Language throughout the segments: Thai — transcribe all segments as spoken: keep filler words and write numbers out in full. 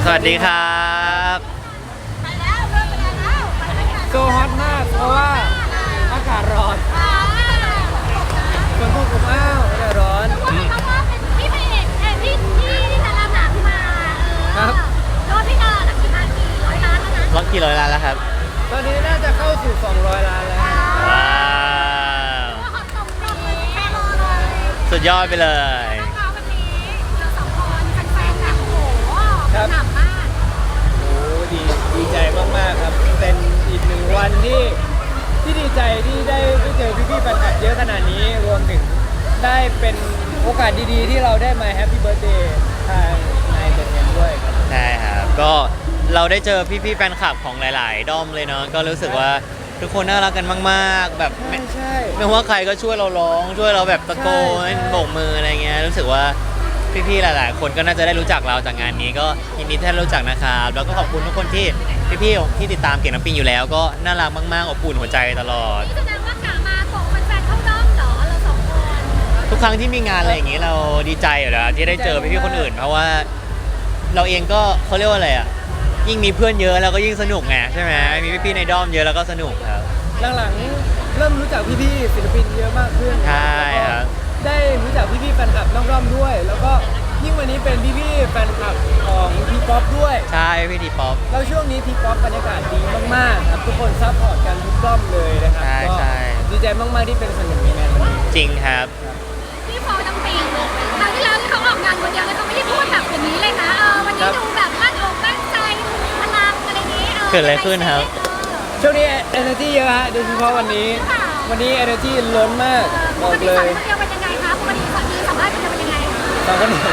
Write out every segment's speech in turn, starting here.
สวัสดีครับไปแล้วเริ่มไปแล้วไปแล้วโซฮอตมากเพราะว่าอากาศร้อนฝนตกอบอ้าวอากาศร้อนว่าเป็นเพราะว่าเป็นพี่พระเอกเอ้ยพี่พี่ที่จะรับหนังมาเออครับแล้วพี่ก็หนังกี่ล้านกี่ร้อยล้านแล้วนะล็อกกี่ร้อยล้านแล้วครับตอนนี้น่าจะเข้าสู่สองร้อยล้านแล้วว้าวว่าเขาตรงตรงเลยแค่รอเลยสุดยอดไปเลยนะคะวันนี้เราสองคนแฟนๆแบบโอ้โหหนักมากโอ้ดีดีใจมากๆครับเป็นอีกหนึ่งวันที่ที่ดีใจที่ได้ได้เจอพี่ๆแฟนคลับเยอะขนาดนี้รวมถึงได้เป็นโอกาสดีๆ ที่เราได้มาแฮปปี้เบิร์ a เดย์ทางนายเดนเนด้วยครับใช่ครับก็เราได้เจอพี่ๆแฟนคลับของหลาย ๆ ด้อมเลยเนาะก็รู้สึกว่าทุกคนน่ารักกันมากๆ แบบไม่ใช่ไม่ว่าใครก็ช่วยเราร้องช่วยเราแบบตะโกใช่นใช่โบกมืออะไรเงี้ยรู้สึกว่าพี่ๆหลาย ๆ คนก็น่าจะได้รู้จักเราจากงานนี้ก็ยินดีที่ได้รู้จักนะครับแล้วก็ขอบคุณทุกคนที่พี่ๆที่ติดตามเก่งน้ำปิงอยู่แล้ว ก็น่ารักมากๆอบอุ่นหัวใจตลอดนี่แสดงว่ากะมาส่งแฟนๆเข้าด้อมเหรอเราสองคนทุกครั้งที่มีงานอะไรอย่างนี้เราดีใจอยู่แล้วที่ได้เจอพี่ๆคนอื่น เพราะว่าเราเองก็เขาเรียกว่าอะไรอ่ะยิ่งมีเพื่อนเยอะแล้วก็ยิ่งสนุกไงใช่ไหมมีพี่ๆในด้อมเยอะแล้วก็สนุกครับหลังๆเริ่มรู้จักพี่ๆศิลปินเยอะมากขึ้นใช่ครับได้รู้จักพี่ๆแฟนคลับน้องร่อมด้วย แล้วก็ยิ่งวันนี้เป็นพี่ๆแฟนคลับของทีป๊อปด้วยใช่พี่ดีป๊อปแล้วช่วงนี้ทีป๊อปบรรยากาศดีมากๆครับทุกคนซัพพอร์ตกันทุกร่อมเลยนะครับใช่ก็ใช่ดีใจมากๆที่เป็นส่วนหนึ่งในงานวันนี้จริงครับพี่ฟอร์น้ำปิงครั้งที่แล้วที่เขาออกงานคนเดียวแล้วเขาไม่ได้พูดแบบอย่างนี้เลยนะเออวันนี้ดูแบบมั่นอกมั่นใจดูมีพลังอะไรนี้เออเกิดอะไรขึ้นครับช่วงนี้ energy เยอะฮะโดยเฉพาะวันนี้ วันนี้ energy ล้นมากเออบ ปอกติเลสอนยคนเดียวเป็นยังไงคะปกติสอนนี้สัมภาษณ์คนเดียวเป็นยังไงสองคนนี้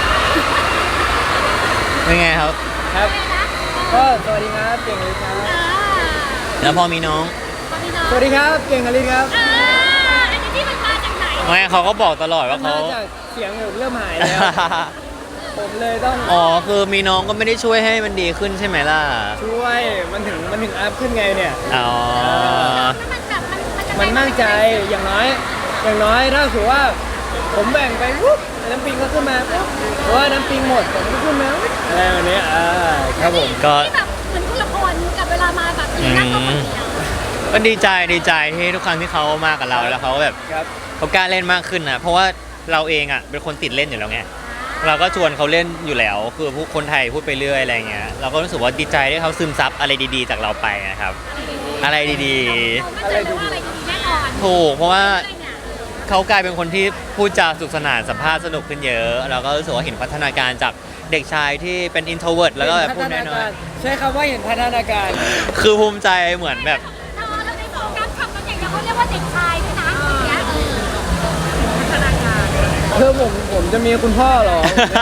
เป็นไงครับครับอะไรนะก็สวัสดีครับเก่งเลยครับเออแล้วพอมีน้องพอมีน้องสวัสดีครับเก่งคลินครับเอออันนี้ที่มันมาจากไหนไม่เขาก็บอกตลอดว่าเขามาจากเสียงเริ่มหายแล้ว ผมเลยต้องอ๋อคือมีน้องก็ไม่ได้ช่วยให้มันดีขึ้นใช่ไหมล่ะช่วยมันถึงมันถึงอัพขึ้นไงเนี่ยอ๋อมันแบบมันมันจะมันมั่นใจอย่างน้อย อย่างน้อยถ้าถือว่า ผมแบ่งไปปุ๊บน้ำปิงก็ขึ้นมาปุ๊บหรือว่าน้ำปิงหมดผมก็ขึ้นมาปุ๊บอะไรแบบนี้อ่าครับผมก็ที่แบบเหมือนคนละคนกับเวลามาแบบมีนั่งตัวคนเดียวก็ดีใจดีใจที่ทุกครั้งที่เขามากับเราแล้วเขาแบบครับเขากล้าเล่นมากขึ้นนะเพราะว่าเราเองอ่ะเป็นคนติดเล่นอยู่แล้วไงเราก็ชวนเขาเล่นอยู่แล้ว คือผู้คนไทยพูดไปเรื่อยอะไรเงี้ยเราก็รู้สึกว่าดีใจที่เขาซึมซับอะไรดีๆ จากเราไปนะครับ อะไรดีเรามั่นใจเลยว่าอะไรดีแน่นอนๆ ถูกเพราะว่าใช่เนี่ยเขากลายเป็นคนที่พูดจาสนุกสนานสัมภาษณ์สนุกขึ้นเยอะเราก็รู้สึกว่าเห็นพัฒนาการจากเด็กชายที่เป็น introvert แล้วก็แบบพูดน้อยใช้คำว่าเห็นพัฒนาการๆคือภูมิใจเหมือนแบบเราเราในโฟกัสคำนั้นอย่างเดียวเขาเรียกว่าเด็กชายด้วยนะอย่างเงี้ยเออพัฒนาการเพื่อผมผมจะมีคุณพ่อเหรอ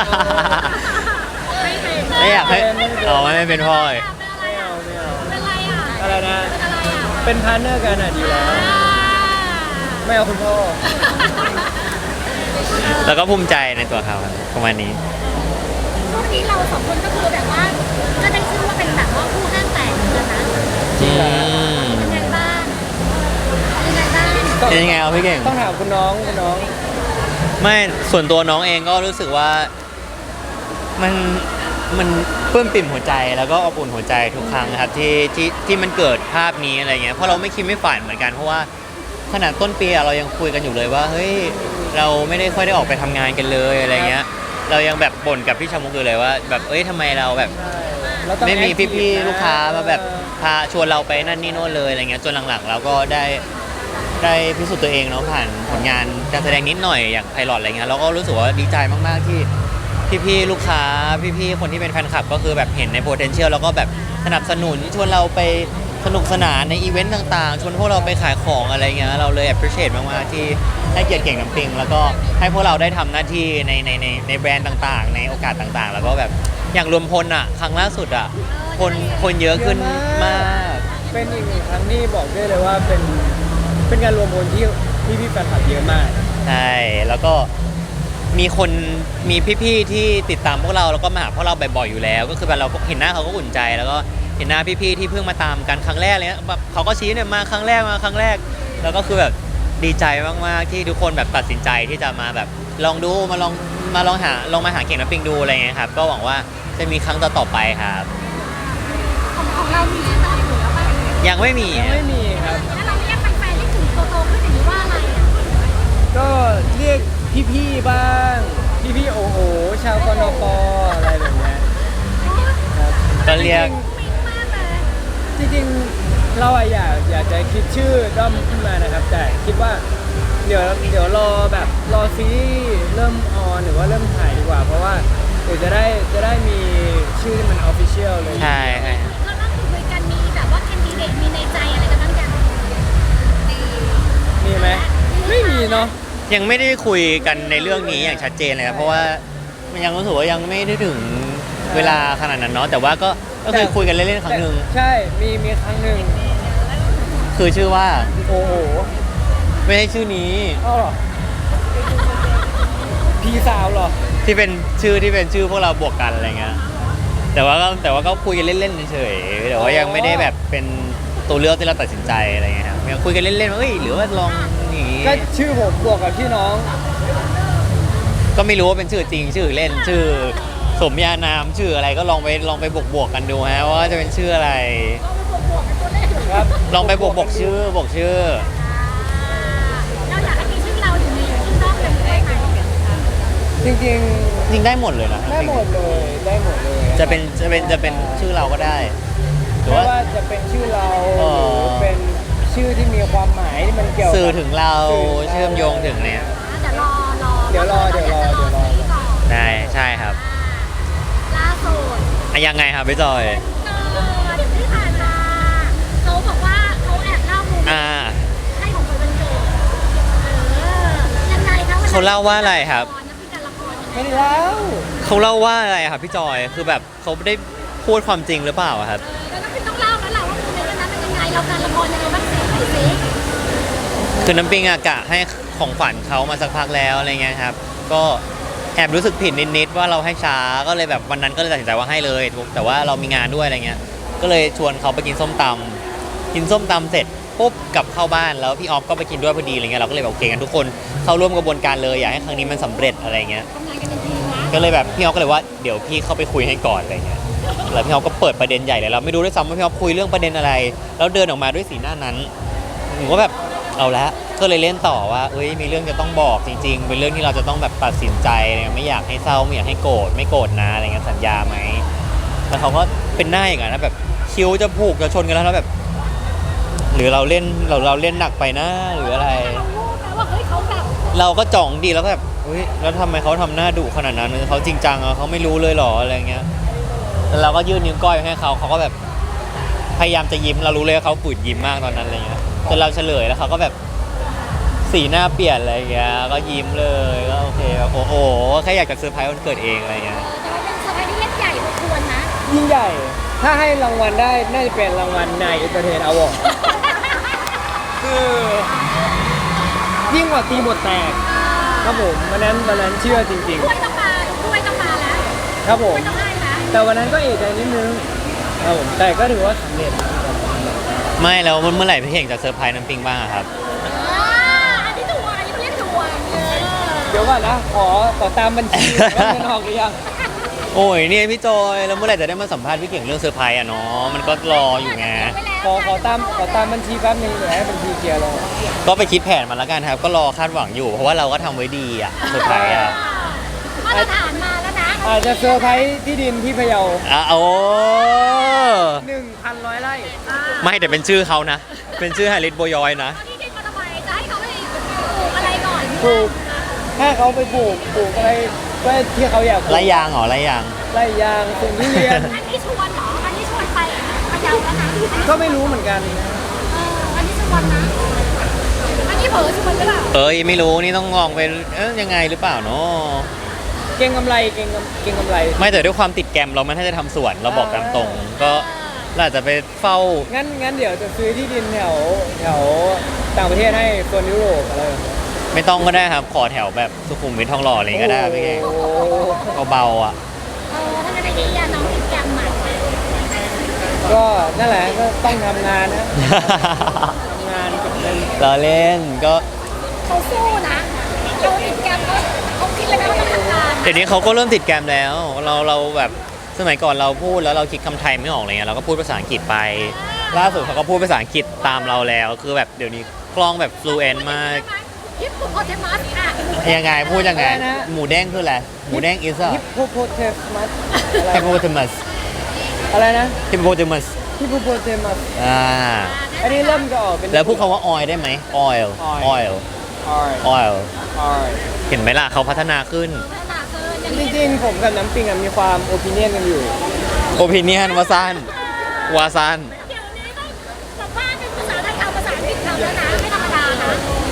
ไม่เป็นไม่อยากให้อ๋อไม่เป็นพ่อเป็นอะไรไม่อ่ะเอาไม่เอาเป็นอะไรอ่ะอะไรนะเป็นอะไรอ่ะเป็นพาร์ทเนอร์กันอ่ะดีแล้ว ไม่เอาคุณพ่อแล้วก็ภูมิใจในตัวเขาครับประมาณนี้ช่วงนี้เราสองคนก็คือแบบว่าก็ได้ชื่อว่าเป็นแบบว่าคู่ห้างแตกเหมือนกันนะจริงเหรออืมเป็นไงบ้างเป็นไงบ้างต้องเป็นยังไงเอาพี่เก่งต้องถามคุณน้องคุณน้องไม่ส่วนตัวน้องเองก็รู้สึกว่ามันมันปลื้มปิ่มหัวใจแล้วก็อบอุ่นหัวใจทุกครั้งนะครับที่ที่ที่มันเกิดภาพนี้อะไรเงี้ยเพราะเราไม่คิดไม่ฝันเหมือนกันเพราะว่าขนาดต้นปีอะเรายังคุยกันอยู่เลยว่าเฮ้ยเราไม่ได้ค่อยได้ออกไปทำงานกันเลยอะไรเงี้ย เรายังแบบบ่นกับพี่ชามุกอยู่เลยว่าแบบเอ้ยทำไมเราแบบเราต้องไม่มี active พี่ๆนะลูกค้ามาแบบพาชวนเราไปนั่นนี่โน่นเลยอะไรเงี้ยจนหลังๆเราก็ได้ได้พิสูจน์ตัวเองเนาะผ่านผลงานการแสดงนิดหน่อยอย่างไพลอตอะไรเงี้ยเราก็รู้สึกว่าดีใจมากๆที่พี่ๆลูกค้าพี่ๆคนที่เป็นแฟนคลับก็คือแบบเห็นใน potential แล้วก็แบบสนับสนุนชวนเราไปสนุกสนานในอีเวนต์ต่างๆชวนพวกเราไปขายของอะไรเงี้ยเราเลย appreciate มากๆที่ให้เกียรติเก่งน้ำปิงแล้วก็ให้พวกเราได้ทำหน้าที่ในในในในแบรนด์ต่างๆ ในโอกาสต่างๆ แล้วก็แบบอย่างรวมพลอ่ะครั้งล่าสุดอ่ะคนคนเยอะขึ้นมากเป็นอีกหนึ่งครั้งที่บอกได้เลยว่าเป็นเป็นการรวมพลที่พี่พี่ๆแฟนคลับเยอะมากใช่แล้วก็มีคนมีพี่ๆที่ติดตามพวกเราแล้วก็มาหาพวกเราบ่อยๆอยู่แล้ว ก็คือแบบเราเห็นหน้าเขาก็อุ่นใจ แล้วก็เห็นหน้าพี่ๆที่เพิ่งมาตามกันครั้งแรกเลยนะแบบเขาก็ชี้เนี่ยมาครั้งแรกมาครั้งแรก แล้วก็คือแบบดีใจมากๆที่ทุกคนแบบตัดสินใจที่จะมาแบบลองดูมาลองมาลองหาลองมาหาเก่งน้ำปิงดูอะไรเงี้ยครับก็หวังว่าจะมีครั้งต่อๆไปครับของของเรามีชื่อบ้านอยู่แล้วป่ะยังไม่มียังไม่มีครับแล้วเราเรียกแฟนๆที่ถึงโตๆขึ้นอย่างนี้ว่าอะไรอ่ะก็เรียกพี่ๆบ้าง พี่ๆโอโอชาวกนปอะไรแบบเนี้ยครับก็เรียกปิ๊งมากเลยจริงๆเราอะอยากอยากจะคิดชื่อด้อมขึ้นมานะครับ แต่คิดว่าเดี๋ยวเดี๋ยวรอแบบรอซีรีส์เริ่มออนหรือว่าเริ่มถ่ายดีกว่า เพราะว่าเดี๋ยวจะได้จะได้มีชื่อที่มันออฟฟิเชียลเลยใช่ใช่เราต้องคุยกันมีแบบว่าแคนดิเดตมีในใจอะไรกันบ้างยังมีไหมไม่มีเนาะยังไม่ได้คุยกันในเรื่องนี้อย่างชัดเจนเลยครับเพราะว่ามันยังรู้สึกว่ายังไม่ได้ถึงเวลาขนาดนั้นเนาะแต่ว่าก็ก็เคยคุยกันเล่นๆครั้งหนึ่งใช่มีมีครั้งหนึ่งคือชื่อว่าโอ้โหไม่ใช่ชื่อนี้อ้าวเหรอพี่สาวเหรอที่เป็นชื่อที่เป็นชื่อพวกเราบวกกันอะไรเงี้ยแต่ว่าก็แต่ว่าก็คุยกันเล่นๆเฉยๆแต่ว่ายังไม่ได้แบบเป็นตัวเลือกที่เราตัดสินใจอะไรเงี้ยครับยังคุยกันเล่นๆว่าเอ้ยหรือว่าลองอย่างงี้ก็ชื่อผมบวกกับชื่อน้องก็ไม่รู้ว่าเป็นชื่อจริงชื่อเล่นชื่อสมญานามชื่ออะไรก็ลองไปลองไปบวกบวกๆกันดูฮะว่าจะเป็นชื่ออะไรครับลองไปบวกบวกชื่อบวกชื่อเราอยากให้มีชื่อเราอยู่ในชื่อด้อมเป็นได้ไหมจริงจริงได้หมดเลยนะๆได้หมดเลยได้หมดเลยจะเป็นจะเป็นจะเป็นชื่อเราก็ได้หรือไม่ว่าว่าจะเป็นชื่อเราหอ๋อรือเป็นชื่อที่มีความหมายที่มันเกี่ยวกับสื่อถึงเราสื่อเชื่อมโยงถึงเนี่ยเดี๋ยวรอรอเดี๋ยวรอเดี๋ยวรอเดี๋ยวรอซีก่อนได้ใช่ครับล่าสุดอะยังไงครับพี่จอยเกิดที่ผ่านมาเขาบอกว่าเขาแอบเล่ามุมอ่าให้ของคนวันเกิดเออยังไงคะวันนั้นเขาเล่าว่าอะไรครับนักพิการละครยังไงไม่ได้แล้วเขาเล่าว่าอะไรครับพี่จอยคือแบบเขาได้พูดความจริงหรือเปล่าอะครับเออแล้วก็ต้องเล่าแล้วแหละว่าโมเมนต์วันนั้นเป็นยังไงเราการละครยังไงบ้างสิไหนสิคือน้ำปิงอะกะให้ของขวัญเขามาสักพักแล้วอะไรเงี้ยครับ ก็แอบรู้สึกผิดนิดๆว่าเราให้ช้าก็เลยแบบวันนั้นก็เลยตัดสินใจว่าให้เลยแต่ว่าเรามีงานด้วยอะไรเงี้ยก็เลยชวนเขาไปกินส้มตำกินส้มตำเสร็จปุ๊บกลับเข้าบ้านแล้วพี่ออฟก็ไปกินด้วยพอดีอะไรเงี้ยเราก็เลยแบบโอเคกันทุกคนเข้าร่วมกระบวนการเลยอยากให้ครั้งนี้มันสำเร็จอะไรเงี้ยทำงานกันเป็นทีมนะก็เลยแบบพี่ออฟก็เลยว่าเดี๋ยวพี่เข้าไปคุยให้ก่อนอะไรเงี้ยแล้วพี่ออฟก็เปิดประเด็นใหญ่เลยเราไม่รู้ด้วยซ้ำว่าพี่ออฟคุยเรื่องประเด็นอะไร แล้วเดินออกมาด้วยสีหน้านั้นหนูก็แบบเอาละก็เลยเล่นต่อว่าเอ้ยมีเรื่องจะต้องบอกจริง ๆ เป็นเรื่องที่เราจะต้องแบบตัดสินใจเนี่ยไม่อยากให้เศร้าไม่อยากให้โกรธไม่โกรธนะอะไรเงี้ยสัญญาไหมแล้วเขาก็เป็นหน้าอย่างนั้นนะแบบคิ้วจะผูกจะชนกันแล้วแล้วแบบ หรือเราเล่นเราเราเล่นหนักไปนะหรืออะไรเรารู้นะว่าเฮ้ยเขาแบบเราก็จ่องดีแล้วก็แบบเฮ้ยแล้วทำไมเขาทำหน้าดุขนาดนั้นเขาจริงจังอะเขาไม่รู้เลยเหรออะไรเงี้ยแล้วเราก็ยื่นนิ้วก้อยให้เขาเขาก็แบบพยายามจะยิ้มเรารู้เลยว่าเขาฝืนยิ้มมากตอนนั้นอะไรเงี้ยจนเราเฉลยแล้วเขาก็แบบสีหน้าเปลี่ยนอะไรเงี้ยก็ยิ้มเลยก็โอเคแบบโอ้โหแค่อยากจะเซอร์ไพรส์วันเกิดเองอะไรเงี้ยแต่ว่าเป็นเซอร์ไพรส์ที่เล็กใหญ่พอควรนะยิ่งใหญ่ ถ้าให้รางวัลได้น่าจะเป็นรางวัลนายเอนเตอร์เทนอวอร์ดคือยิ่งกว่าตีบทแตกครับผมวันนั้นวันนั้นเชื่อจริงถ้วยต้องมาถ้วยต้องมาแล้วๆ ครับผถ้มวยต้องให้นะแต่วันนั้นก็เอกใจนิดนึงครับผมแต่ก็ถือว่าสำเร็จไม่แล้วเมื่อไหร่พี่เก่งจะเซอร์ไพรส์น้ำปิงบ้างอะครับอ่าอันนี้ถูกอันนี้เขาเรียกถูกเออเดี๋ยวก่อนนะขอขอตามบัญชีว่าเงินออกหรือยังโอ้ยเนี่ยพี่จอยแล้วเมื่อไหร่จะได้มาสัมภาษณ์พี่เก่งเรื่องเซอร์ไพรส์อะเนาะมันก็รออยู่ไงขอขอตามขอตามบัญชีแป๊บนึงเดี๋ยวให้บัญชีเคลียร์ลงก็ไปคิดแผนมาแล้วกันครับ ก็รอคาดหวังอยู่ เพราะว่าเราก็ทำไว้ดีอะเซอร์ไพรส์อะมาตรฐานมาแล้วนะอาจจะเซอร์ไพรส์ที่ดินที่พะเยาอ่ะโอ้หนึ่งพันร้อยไร่ไม่แต่เป็นชื่อเขานะ เป็นชื่อฮาริสโบยอยนะตอนนี้ดินมาทำไมจะให้เขาไปปลูกอะไรก่อนปลูกถ้าเขาไปปลูกปลูกอะไรก็ที่เขาอยากปลูกไรยางเหรอไรยางไร่ยางปลูกทุเรียนอันนี้ชวนเหรออันนี้ชวนไปพะเยาแล้วนะก็ไม่รู้เหมือนกันเอออันนี้ชวนนะอันนี้เผลอชวนหรือเปล่าเอ้ยไม่รู้นี่ต้องลองไปเอ๊ยยังไงหรือเปล่าเนาะเก่งกำไรเก่งกำเก่งกำไรไม่แต่ด้วยความติดแกรมเราไม่ถ้าจะทำสวนเราบอกตามตรง ก็เราอาจจะไปเฝ้างั้นงั้นเดี๋ยวจะซื้อที่ดินแถวแถวต่างประเทศให้โซนยุโรปอะไรแบบนี้ไม่ต้องก็ได้ครับ ขอแถวแบบสุขุมวิททองหล่ออะไรอย่างงี้ก็ได้พี่เก่งโอ้โหเบาๆอ่ะเออถ้าจะได้ดีอะน้องติดแกรมหมัดก็นั่นแหละก็ต้องทำงานนะทำงานเก็บเงินเราเล่นก็เขาสู้นะเขาติดแกรมเขาเขาคิดเลยไหมว่าต้องทำงานเดี๋ยวนี้เขาก็เริ่มติดแกรมแล้ว เราเราแบบสมัยก่อนเราพูดแล้วเราคิดคำไทยไม่ออกอะไรเงี้ยเราก็พูดภาษาอังกฤษไป ล่าสุดเขาก็พูดภาษาอังกฤษตามเราแล้ว คือแบบเดี๋ยวนี้คล่องแบบ fluent มากฮิปโปโปเทมัสค่ะยังไงพูดยังไง หมูแดงคืออะไร หมูแดง is a ฮิปโปโปเทมัส hippopotamus อะไรนะ hippopotamus ฮิปโปโปเทมัสอ่าอันนี้เริ่มจะออกเป็นแล้วพูดคำว่า oil ได้ไหม oil oil Alright oil Alright เห็นไหมล่ะเขาพัฒนาขึ้นพัฒนาเกินอย่างจนี้ริงๆผมกับน้ำปิงอะมีความโอปิเนียนกันอยู่ opinion วาซันวาซันเดี๋ยวนี้ต้องแบบว่าเป็นภาษาไทยคำภาษาอังกฤษคำแล้วนะไม่ธรรมดานะ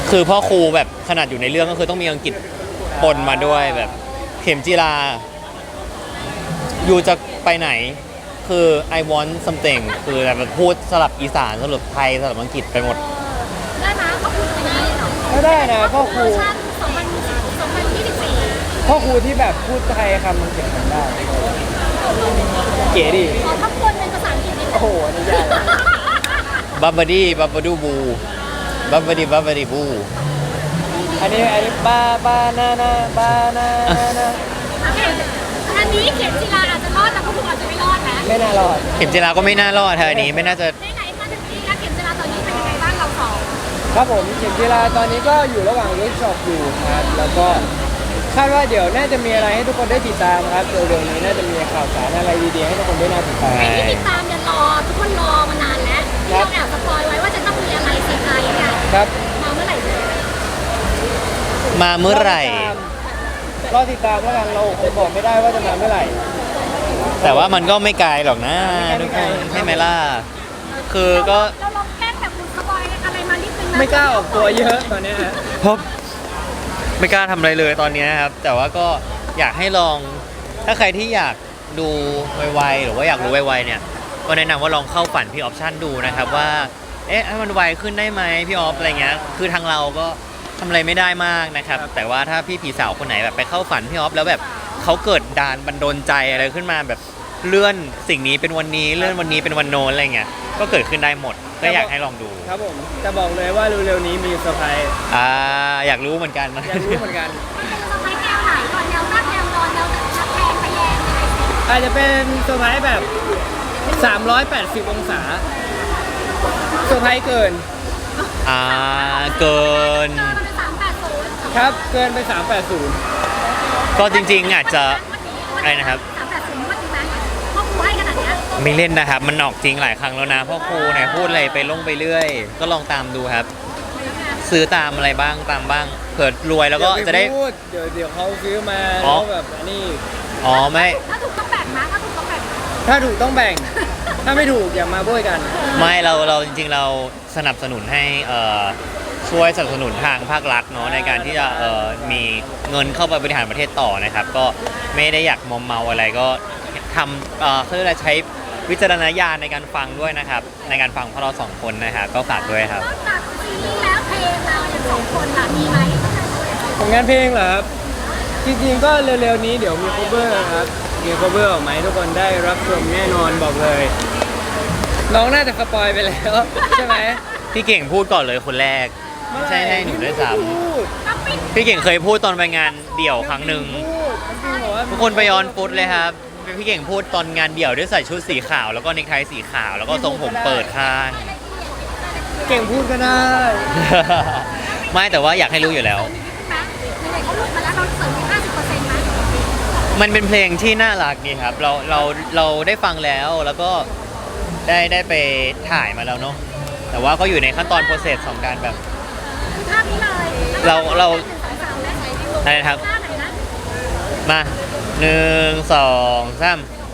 คือพ่อครูแบบขนาดอยู่ในเรื่องก็คือต้องมีอังกฤษปนมาด้วยแบบเข็มจีราอยู่จะไปไหนคือ I want something คือแบบพูดสลับอีสานสลับไทยสลับอังกฤษไปหมดได้ไหมเขาพูดไปได้เหรอก็ได้นะพ่อครูเวอร์ชันสองพันสองพันยี่สิบสี่พ่อครูที่แบบพูดไทยคำมันเขียนกันได้ เก๋ดิขอทับคนเป็นภาษาอังกฤษนิดนึโอ้งโหอันนี้ยากบับบดี้บับบดูบูบับบดี้บับบดี้บูอันนี้อันนี้บาบานานาบานานาโอเคอันนี้เขียนจีราอาจจะรอดแต่พวกคุณอาจจะไม่รอดนะไม่น่ารอดเข็มจีราก็ไม่น่ารอดเธออันนี้ไม่น่าจะไหนๆมาถึงนี้แล้วเขียนจีราตอนนี้เป็นยังไงบ้างเราสองครับผมเข็มกีฬาตอนนี้ก็อยู่ระหว่างเวิร์กช็อปอยู่ครับ แล้วก็คาดว่าเดี๋ยวน่าจะมีอะไรให้ทุกคนได้ติดตามครับเร็วๆนี้น่าจะมีข่าวสารอะไรดีๆให้ทุกคนได้น่าติดตามใครที่ติดตามเนี่ยรอทุกคนรอมานานแล้วที่เราแอบสปอยไว้ว่าจะต้องมีอะไรเซอร์ไพรส์เนี่ยครับมาเมื่อไหร่เนี่ยมาเมื่อไหร่รอติดตามแล้วกันเราคงบอกไม่ได้ว่าจะมาเมื่อไหร่แต่ว่ามันก็ไม่ไกลหรอกนะทุกคนใช่ไหมล่ะคือก็เราลองแกล้งแบบคุณสปอยอะไรมานิดนึงนะไม่กล้าออกตัวเยอะตอนเนี้ยฮะเพราะไม่กล้าทำอะไรเลยตอนนี้นะครับ แต่ว่าก็อยากให้ลองถ้าใครที่อยากดูไวๆหรือว่าอยากรู้ไวๆเนี่ยก็แนะนำว่าลองเข้าฝันพี่ออปชั่นดูนะครับว่าเอ๊ะให้มันไวขึ้นได้ไหมพี่ออฟอะไรเงี้ยคือทางเราก็ทำอะไรไม่ได้มากนะครับ แต่ว่าถ้าพี่ผีสาวคนไหนแบบไปเข้าฝันพี่ออฟแล้วแบบเขาเกิดดานบันดาลใจอะไรขึ้นมาแบบเลื่อนสิ่งนี้เป็นวันนี้เลื่อนวันนี้เป็นวันโน้นอะไรเงี้ยก็เกิดขึ้นได้หมดก็อยากให้ลองดูครับผมจะบอกเลยว่าเร็วๆนี้มีเซอร์ไพรส์อ่าอยากรู้เหมือนกันนะอยากรู้เหมือนกันมันเป็นสไปแนวไหนก่อนแนวตั้งแนวนอนแนวชักแพงไปแยงอะไรสิอาจจะเป็นเซอร์ไพรส์แบบ สามร้อยแปดสิบ องศาเซอร์ไพรส์เกินอ่าเกินเจอมันเป็นสามแปดศูนย์ครับเกินไป สามแปดศูนย์ก็จริงๆอาจจะอะไรนะครับสามแปดศูนย์ว่าจริงไหมพ่อครูให้ขนาดเนี้ยไม่เล่นนะครับ มันออกจริงหลายครั้งแล้วนะพ่อครูเนี่ยพูดอะไรไปลงไปเรื่อย ก็ลองตามดูครับ ซื้อตามอะไรบ้างตามบ้างเผื่อรวยแล้วก็จะได้เยวปพูเดี๋ยวเดี๋ยวเขาซื้อมาอ๋แล้อวแบบอันนี้อ๋อไม่ถ้าถูกต้องแบ่งนะถ้าถูกต้องแบ่งนะถ้าถูกต้องแบ่ง ถ้าไม่ถูกอย่ามาโบยกันไม่เราเราจริงๆเราสนับสนุนให้เอ่อช่วยสนับสนุนทางภาครัฐเนาะในการที่จะเอ่อมีเงินเข้าไปบริหารประเทศต่อนะครับ ก็ไม่ได้อยากมอมเมาอะไรก็ทำเอ่อเขาเรียกอะไรใช้วิจารณญาณในการฟังด้วยนะครับ ในการฟังพวกเราสองคนนะครับก็ฝากด้วยครับนอกจากซีรีส์แล้วเพลงเราอย่างสองคนล่ะมีไหมของงานเพลงเหรอครับ จริงๆก็เร็วๆนี้เดี๋ยวมี cover ครับ มี cover ออกมาให้ทุกคนได้รับชมแน่นอนบอกเลย น้องน่าจะสปอยไปแล้ว ใช่ไหมพี่เก่งพูดก่อนเลยคนแรกไม่ใช่ให้หนูด้วยซ้พูดน้ำปิ้งำพี่เก่งเคยพูดตอนไปงานเดี่ยวครั้งหนึ่งพูดน้ำปิงบอกว่าทุกคนไปย้อนฟุตเลยครับพี่เก่งพูดตอนงานเดี่ยวด้วยใส่ชุดสีขาว แล้วก็เนคไทสีขาว แล้วก็ทรงผมเปิดข้างเก่งพูดก็ได้ไม่แต่ว่าอยากให้รู้อยู่แล้วนะไหนๆเขาหลุดมาแล้วเราเสริมอีกห้าสิบเปอร์เซ็นต์ไหมมันเป็นเพลงที่น่ารักดีครับ เราเราเราได้ฟังแล้วแล้วก็ได้ได้ไปถ่ายมาแล้วเนาะแต่ว่าก็อยู่ในขั้นตอนโปรเซสของการแบบคือภาพนี้เลยเราเราหนึ่งสองสามและใส่ในรูปอะไรนะครับภาพไหนนะมาหนึ่งสองสาม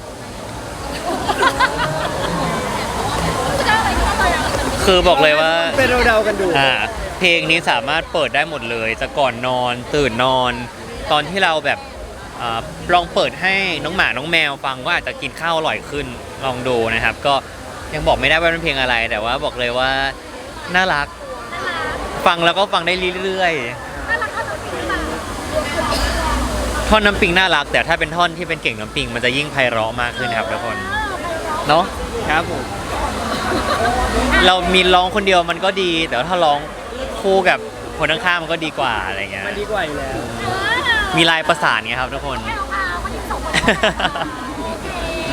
จะได้อะไรก็ต้องเลยอ่ะคือบอกเลยว่าเป็นเราเดากันดูอ่าเพลงนี้สามารถเปิดได้หมดเลยจะก่อนนอนตื่นนอน ตอนที่เราแบบอาลองเปิดให้น้องหมาน้องแมวฟังว่าอาจจะกินข้าวอร่อยขึ้นลองดูนะครับ ก็ยังบอกไม่ได้ว่าเป็นเพลงอะไร แต่ว่าบอกเลยว่าน่ารักน่ารักฟังแล้วก็ฟังได้เรื่อยน่ารักเข้าถึงที่มาๆท่อนน้ำปิงน่ารัก แต่ถ้าเป็นท่อนที่เป็นเก่งน้ำปิงมันจะยิ่งไพเราะมากขึ้นครับทุกคนเนาะครับผมเรามีร้องคนเดียวมันก็ดี แต่ว่าถ้าร้องคู่กับคนข้างๆมันก็ดีกว่าอะไรเงี้ยมันดีกว่าอยู่แล้วมีลายประสานไงครับทุกคนแมวพาวคนที่ส่งมาโอเค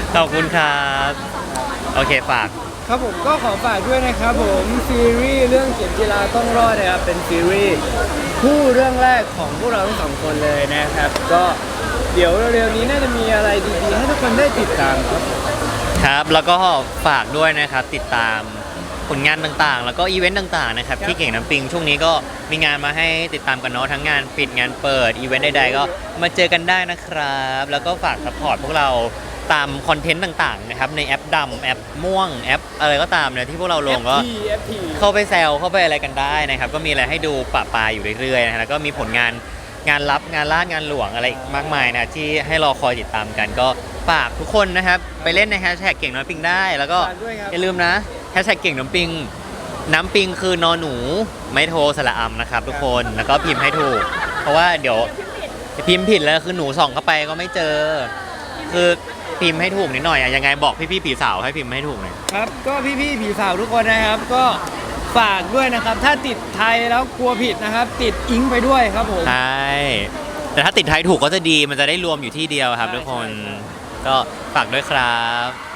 ขอบคุณครับ โอเคฝากครับผมก็ขอฝากด้วยนะครับผมซีรีส์เรื่องเข็มจีราต้องรอดนะครับเป็นซีรีส์คู่เรื่องแรกของพวกเราทั้งสองคนเลยนะครับ ก็เดี๋ยวเร็วๆนี้น่าจะมีอะไรดีๆให้ทุกคนได้ติดตามครับครับแล้วก็ฝากด้วยนะครับติดตามผลงานต่างๆ แล้วก็อีเวนต์ต่างๆนะครับครับที่เก่งน้ำปิงช่วงนี้ก็มีงานมาให้ติดตามกันเนาะทั้งงานปิดงานเปิดอีเวนต์ใดๆก็มาเจอกันได้นะครับ แล้วก็ฝากซัพพอร์ตพวกเราตามคอนเทนต์ต่างๆนะครับในแอปดำแอปม่วงแอปอะไรก็ตามเนี่ยที่พวกเราลงก็เอฟ ที เอฟ ทีเข้าไปแซวเข้าไปอะไรกันได้นะครับ ก็มีอะไรให้ดูปะปายอยู่เรื่อยๆนะฮะแล้วก็มีผลงานงานลับงานล่างานหลวงอะไรอีกมากมายนะที่ให้รอคอยติดตามกัน ก็ฝากทุกคนนะครับ ไปเล่นในแฮชแท็กเก่งน้ำปิงได้ แล้วก็ฝากด้วยครับอย่าลืมนะแฮชแท็กเก่งน้ำปิง น้ำปิงคือนอหนูไม่โทรสระอำนะครับทุกคนแล้วก็พิมพ์ให้ถูก เพราะว่าเดี๋ยวพิมพ์ผิดแล้วคือหนูส่องเข้าไปก็ไม่เจอ คือพิมพ์ให้ถูกนิดหน่อยอะยังไงบอกพี่ๆผีสาวให้พิมพ์ให้ถูกหน่อยครับก็พี่ๆผีสาวทุกคนนะครับก็ฝากด้วยนะครับ ถ้าติดไทยแล้วกลัวผิดนะครับ ติดอิงไปด้วยครับผมใช่ แต่ถ้าติดไทยถูกก็จะดี มันจะได้รวมอยู่ที่เดียวครับใช่ทุกคนใช่ก็ฝากด้วยครับ